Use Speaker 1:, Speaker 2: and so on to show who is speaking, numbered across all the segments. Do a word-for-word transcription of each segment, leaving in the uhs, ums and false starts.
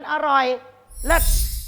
Speaker 1: อร่อยเลิศ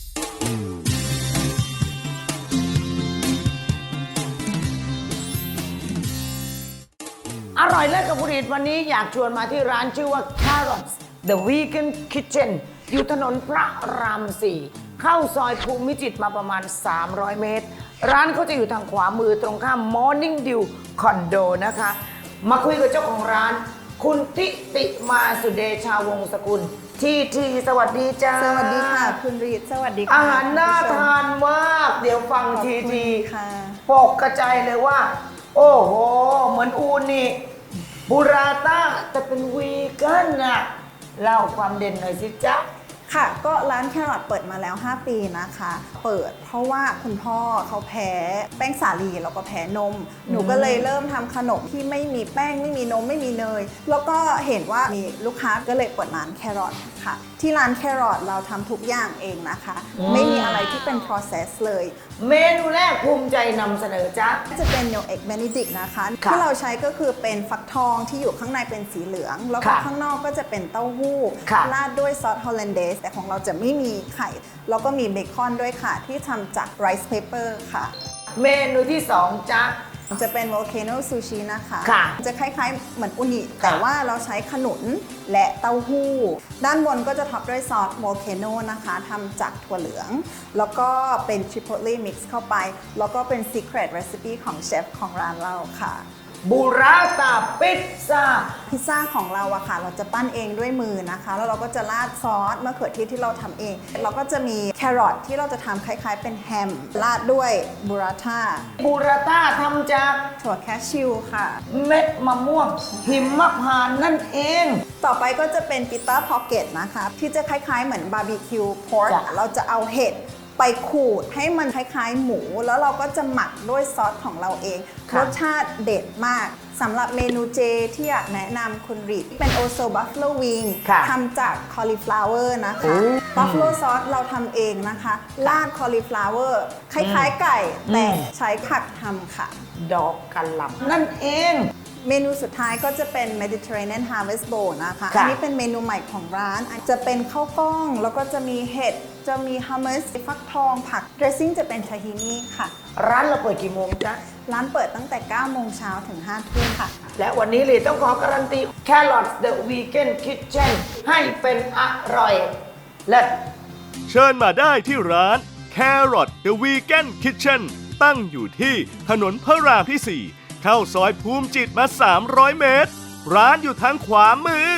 Speaker 1: อร่อยเลิศกับบุรีวันนี้อยากชวนมาที่ร้านชื่อว่า Carrots The Vegan Kitchen อยู่ถนนพระรามสี่เข้าซอยภูมิจิตรมาประมาณสามร้อยเมตรร้านเขาจะอยู่ทางขวามือตรงข้าม Morning Dew คอนโดนะคะมาคุยกับเจ้าของร้านคุณทิติมาสุเดชาวงศ์สกุลทีทีสวัสดีจ้า
Speaker 2: สวัสดีค่ะคุณรีดสวัสดีค่ะ
Speaker 1: อาหารน่าทานมากเดี๋ยวฟังทีทีปกกระจายเลยว่าโอ้โหเหมือนอูนี่บูราต้าแต่เป็นวีแกนน่ะเล่าความเด่นหน่อยสิจ๊ะ
Speaker 2: ค่ะก็ร้านแครอทเปิดมาแล้วห้าปีนะคะเปิดเพราะว่าคุณพ่อเขาแพ้แป้งสาลีแล้วก็แพ้นมหนูก็เลยเริ่มทำขนมที่ไม่มีแป้งไม่มีนมไม่มีเนยแล้วก็เห็นว่ามีลูกค้าก็เลยเปิดร้านแครอทค่ะที่ร้านแครอทเราทำทุกอย่างเองนะคะไม่มีอะไรที่เป็น process เลย
Speaker 1: เมนูแรกภูมิใจนำเสนอจ๊ะ
Speaker 2: จะเป็น no egg benedict นะคะที่เราใช้ก็คือเป็นฟักทองที่อยู่ข้างในเป็นสีเหลืองแล้วก็ข้างนอกก็จะเป็นเต้าหู้ราดด้วยซอสฮอลแลนเดสแต่ของเราจะไม่มีไข่แล้วก็มีเบคอนด้วยค่ะที่ทำจากไรซ์เพเปอร์ค่ะ
Speaker 1: เมนูที่สองจ๊ะ
Speaker 2: จะเป็น volcano sushi นะคะ
Speaker 1: ค่ะ
Speaker 2: จะคล้ายๆเหมือนอุนิแต่ว่าเราใช้ขนุนและเต้าหู้ด้านบนก็จะท็อปด้วยซอส volcano นะคะทำจากถั่วเหลืองแล้วก็เป็น chipotle mix เข้าไปแล้วก็เป็น secret recipe ของเชฟของร้านเราค่ะ
Speaker 1: บูราตาพิซซ่า
Speaker 2: พิซซ่าของเราอะค่ะเราจะปั้นเองด้วยมือนะคะแล้วเราก็จะราดซอสมะเขือเทศที่เราทำเองเราก็จะมีแครอทที่เราจะทำคล้ายๆเป็นแฮมราดด้วยบูราต้า
Speaker 1: บูราต้าทำจาก
Speaker 2: ถั่วแคชชิวค่ะ
Speaker 1: เม็ดมะม่วงหิมพานต์นั่นเอง
Speaker 2: ต่อไปก็จะเป็นปิต้าพ็อกเก็ตนะคะที่จะคล้ายๆเหมือนบาร์บีคิวพอร์กเราจะเอาเห็ดไปขูดให้มันคล้ายๆหมูแล้วเราก็จะหมักด้วยซอสของเราเองรสชาติเด็ดมากสำหรับเมนูเจที่อยากแนะนำคุณรีดเป็นโอโซบัฟเฟิลวิงทำจากคอลีฟลาวเวอร์นะคะบัฟเฟิลซอสเราทำเองนะคะราดคอลีฟลาวเวอร์คล้ายๆไก่แต่ใช้ผักทำค่ะ
Speaker 1: ดอกกะหล่ำนั่นเอง
Speaker 2: เมนูสุดท้ายก็จะเป็น Mediterranean Harvest Bowl นะคะอันนี้เป็นเมนูใหม่ของร้านจะเป็นข้าวกล้องแล้วก็จะมีเห็ดจะมีฮัมมัสฟักทองผัก dressing จะเป็นทาฮินี่ค่ะ
Speaker 1: ร้านเราเปิดกี่โมงจ๊ะ
Speaker 2: ร้านเปิดตั้งแต่เก้าโมงเช้าถึงห้าทุ่มค่ะ
Speaker 1: และวันนี้เลยต้องขอการันตี Carrots The Vegan Kitchen ให้เป็นอร่อยเลิศ
Speaker 3: เชิญมาได้ที่ร้าน Carrot The Vegan Kitchen ตั้งอยู่ที่ถนนพระรามที่สี่เข้าซอยภูมิจิตรมาสามร้อยเมตรร้านอยู่ทางขวามือ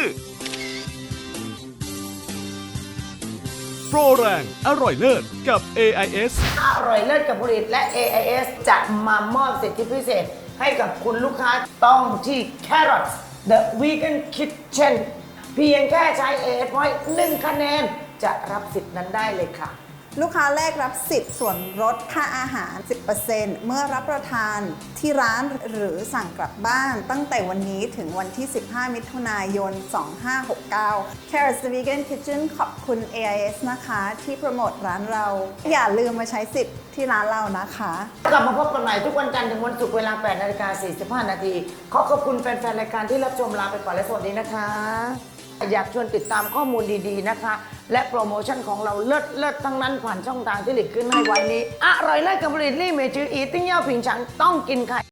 Speaker 3: โปรแรงอร่อยเลิศกับ เอ ไอ เอส
Speaker 1: อร่อยเลิศกับผลิตและ เอ ไอ เอส จะมามอบสิทธิพิเศษให้กับคุณลูกค้าต้องที่ Carrots The Vegan Kitchen เพียงแค่ใช้ เอ เอส Point หนึ่งคะแนนจะรับสิทธิ์นั้นได้เลยค่ะ
Speaker 2: ลูกค้าแรกรับสิทธิ์ส่วนลดค่าอาหาร สิบเปอร์เซ็นต์ เมื่อรับประทานที่ร้านหรือสั่งกลับบ้านตั้งแต่วันนี้ถึงวันที่ สิบห้า มิถุนายน สองพันห้าร้อยหกสิบเก้า Carrots The Vegan Kitchen ขอบคุณ เอ ไอ เอส นะคะที่โปรโมทร้านเราอย่าลืมมาใช้สิทธิ์ที่ร้านเรานะคะ
Speaker 1: กลับมาพบกันใหม่ทุกวันจันทร์ถึงวันศุกร์เวลา แปดนาฬิกาสี่สิบห้า นาทีขอขอบคุณแฟนๆรายการที่รับชมลาไปก่อนและสวัสดีนะคะอยากชวนติดตามข้อมูลดีๆนะคะและโปรโมชั่นของเราเลิศเลิศทั้งนั้นผ่านช่องทางที่หลีกขึ้นให้ไว้นี้อร่อยเลิศกับผลิตลี่เมจืออีติ้งเย่าผิงฉังต้องกินค่ะ